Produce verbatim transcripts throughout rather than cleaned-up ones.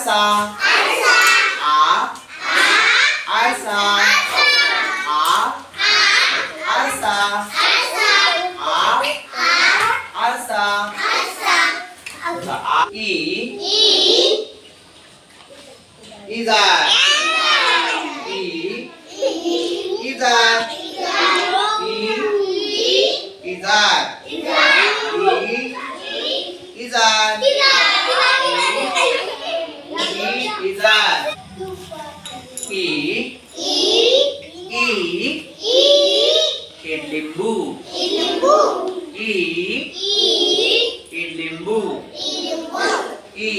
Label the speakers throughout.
Speaker 1: आरसा आ आरसा आ आरसा आ आरसा ई इजार ई इजार ई इजार ई इजार इजार ई ई इडलिंबू ई इडलिंबू ई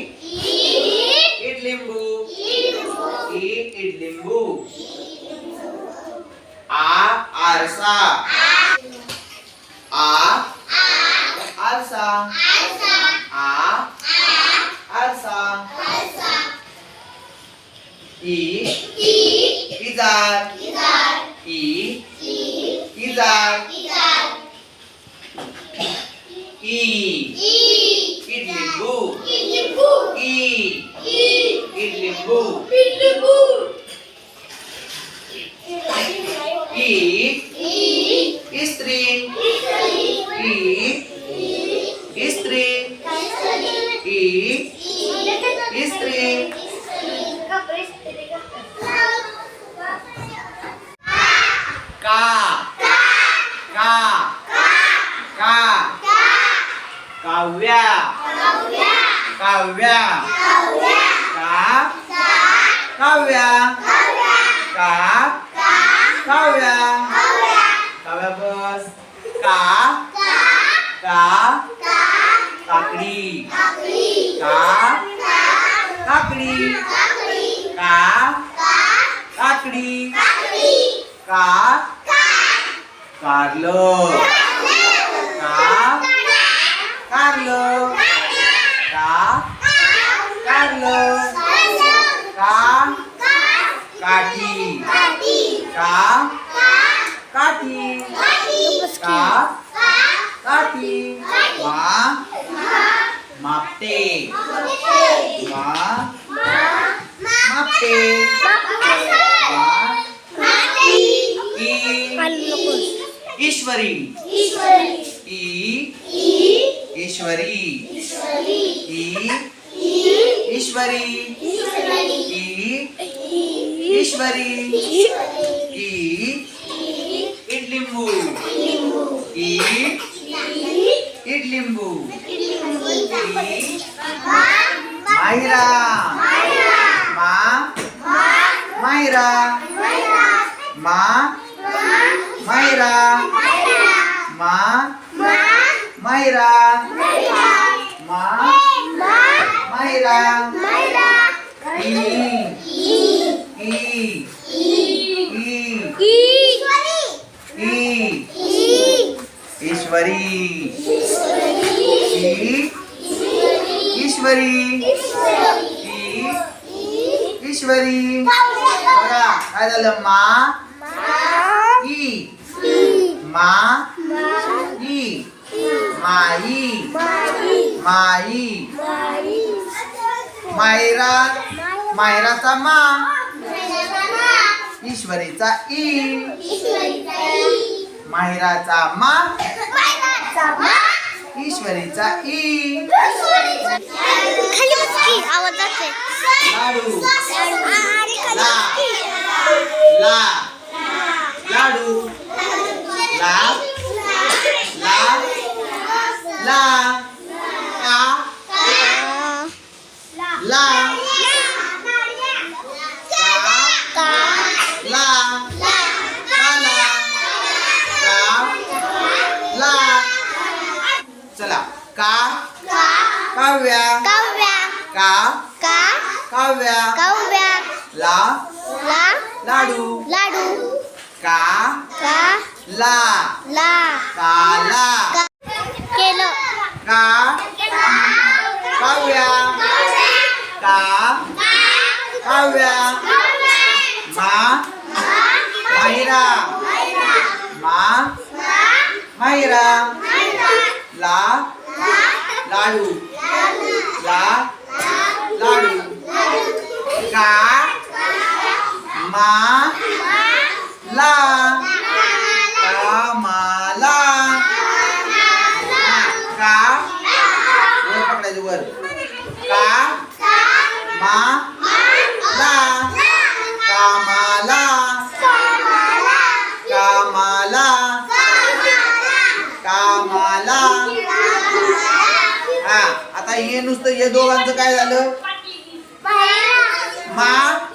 Speaker 1: इडलिंबू ई इडलिंबू आ आरसा आ आरसा आ आरसा ई इजार ई इजार ई इडलिंबू ई इडलिंबू ई स्त्री ई स्त्री ई स्त्री का का का काव्या काव्या का काव्या का काव्या काव्या बस का का काकडी का काकडी का काकडी का कारलो का कारलो का कारलो का काठी का काठी का काठी मा मापते मा मापते मा ईश्वरी ई ईश्वरी ई ईश्वरी ई ईश्वरी ई इडलिंबू ई इडलिंबू मायरा मा मायरा मा मायरा मा मायरा मा मायरा ई ई ई ईश्वरी ई ईश्वरी ई ईश्वरी बघा काय झालं मा ई मा ई माई माई मायरा मायराचा मा ईश्वरीचा ई मायराचा मा ईश्वरीचा ई लाडू ला ला लाडू ला ला ला का ला का ला काला का ला चला का काव्या का काव्या ला लाडू का ला काला
Speaker 2: केलं
Speaker 1: का काव्या का काव्या मा मायरा मा मायरा ला लाडू ला लाडू मा ला कामाला कामाला कामाला. हा आता हे नुसतं हे दोघांचं काय झालं? मा